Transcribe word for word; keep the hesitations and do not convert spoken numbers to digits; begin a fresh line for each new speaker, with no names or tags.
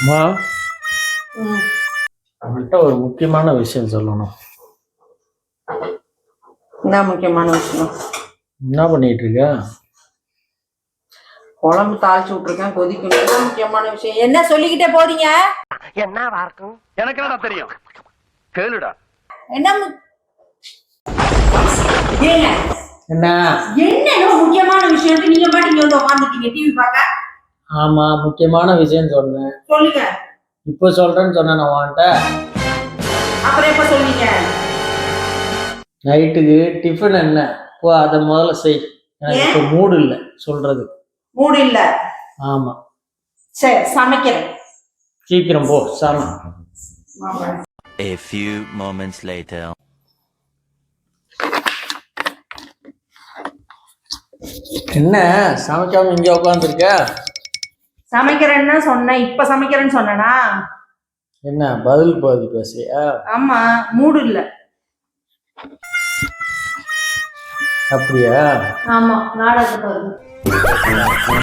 அம்மா,
ம்.
உங்கள்கிட்ட ஒரு முக்கியமான விஷயம் சொல்லணும்.
என்ன முக்கியமான விஷயம்?
என்ன பண்ணிட்டு இருக்க?
குழம்பு தாளிச்சு விட்டுருக்கேன், கொதிக்கணும். என்ன முக்கியமான விஷயம்? என்ன சொல்லிக்கிட்டே போறீங்க?
என்ன வார்க்கும் எனக்கு என்னடா தெரியும் கேளுடா.
என்ன மு- ஏங்க,
என்ன?
என்னன்னு முக்கியமான விஷயம் நீங்க பாட்டு இங்க வந்து உட்காந்துட்டீங்க டிவி பார்க்க?
ஆமா, முக்கியமான விஷயம் சொன்னேன்.
சொல்லுங்க.
இப்போ சொல்றேன்னு சொன்னேன் நான் உன்கிட்ட.
அப்புறம் எப்ப சொல்றீங்க?
நைட்டுக்கு டிஃபன் என்ன? ஓ, அதை முதல்ல செய். எனக்கு இப்போ மூடு இல்லை சொல்றது.
மூடு இல்ல.
ஆமா,
சரி, சமைக்கிறேன்.
சீக்கிரம் போ சாமி.
A few moments later.
என்ன சமைக்காம இங்க உட்காந்துருக்க?
சமைக்கிறேன்னு சொன்னேன், இப்ப சமைக்கிறேன்னு சொன்னேனா?
என்ன பதில் பதில் பேசுறியா?
ஆமா, மூடு இல்ல.
அப்படியா?
ஆமா, நாடகத்தை பாருங்க.